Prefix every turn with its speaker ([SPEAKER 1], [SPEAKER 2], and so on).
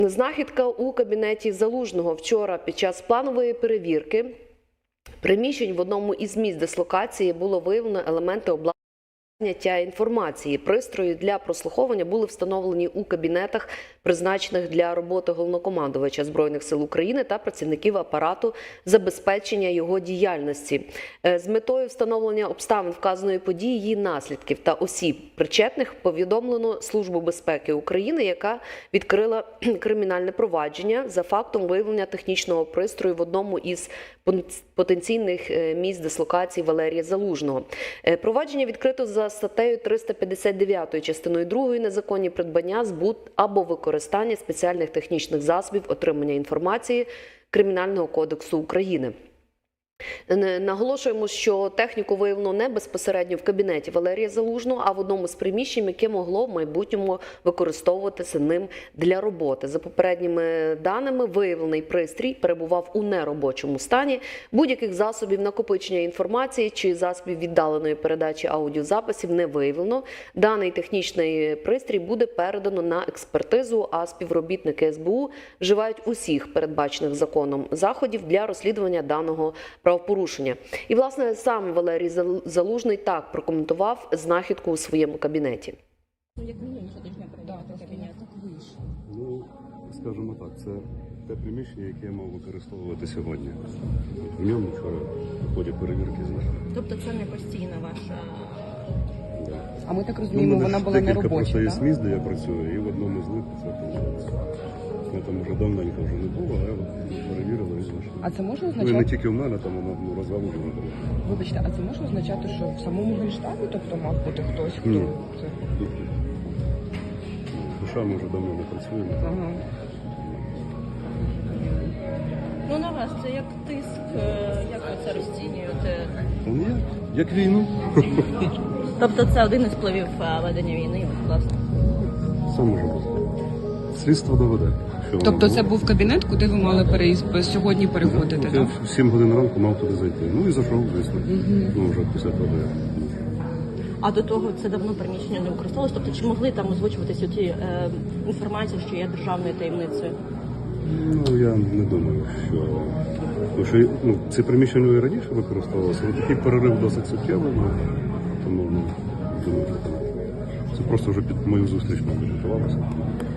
[SPEAKER 1] Знахідка у кабінеті Залужного. Вчора під час планової перевірки приміщень в одному із місць дислокації було виявлено елементи обладнання інформації. Пристрої для прослуховування були встановлені у кабінетах, призначених для роботи головнокомандувача Збройних сил України та працівників апарату забезпечення його діяльності. З метою встановлення обставин вказаної події, її наслідків та осіб причетних повідомлено Службу безпеки України, яка відкрила кримінальне провадження за фактом виявлення технічного пристрою в одному із потенційних місць дислокації Валерія Залужного. Провадження відкрито за статтею 359 частиною 2 «Незаконні придбання, збут або використання спеціальних технічних засобів отримання інформації» Кримінального кодексу України. Наголошуємо, що техніку виявлено не безпосередньо в кабінеті Валерія Залужного, а в одному з приміщень, яке могло в майбутньому використовуватися ним для роботи. За попередніми даними, виявлений пристрій перебував у неробочому стані. Будь-яких засобів накопичення інформації чи засобів віддаленої передачі аудіозаписів не виявлено. Даний технічний пристрій буде передано на експертизу, а співробітники СБУ вживають усіх передбачених законом заходів для розслідування даного правопорушення. І, власне, сам Валерій Залужний так прокоментував знахідку у своєму кабінеті.
[SPEAKER 2] Як мінімум щотижня передати кабінет.
[SPEAKER 3] Ну, скажімо так, це те приміщення, яке я мав використовувати сьогодні. В ньому вчора в ході перевірки знайшов.
[SPEAKER 2] Тобто це не постійна ваша...
[SPEAKER 3] Да.
[SPEAKER 4] А ми так розуміємо, вона була не робоча,
[SPEAKER 3] просто є
[SPEAKER 4] так?
[SPEAKER 3] місць, де я працюю, і в одному з них це виходить. Я там вже давненько вже не було, а я перевірила і знайшов.
[SPEAKER 4] А це може
[SPEAKER 3] Ну і
[SPEAKER 4] означати...
[SPEAKER 3] не тільки в мене, там воно розгалужено було.
[SPEAKER 4] Вибачте, а це може означати, що в самому Генштабі, тобто мав бути хтось, хто
[SPEAKER 3] Ні.
[SPEAKER 4] це...
[SPEAKER 3] Душа, ми вже давно не працюємо.
[SPEAKER 4] Ага.
[SPEAKER 2] Ну, на вас це як тиск, як ви це розцінюєте?
[SPEAKER 3] Ну, як війну.
[SPEAKER 2] Тобто це один із впливів ведення війни, власне?
[SPEAKER 3] Все може бути. Слідство доведе.
[SPEAKER 4] Тобто це був кабінет, куди ви мали сьогодні переходити,
[SPEAKER 3] Я
[SPEAKER 4] так?
[SPEAKER 3] в 7 годин ранку мав туди зайти. Ну і зайшов, звісно. Ну, вже після того, як.
[SPEAKER 2] А до того це давно приміщення не використовувалось? Тобто чи могли там озвучуватися ті інформації, що є державною таємницею?
[SPEAKER 3] Ну, я не думаю, що... Тому що це приміщення і раніше використовувалося, але такий перерив досить суттєвий, тому думаю, що це просто вже під мою зустріч, мабуть, готувалося.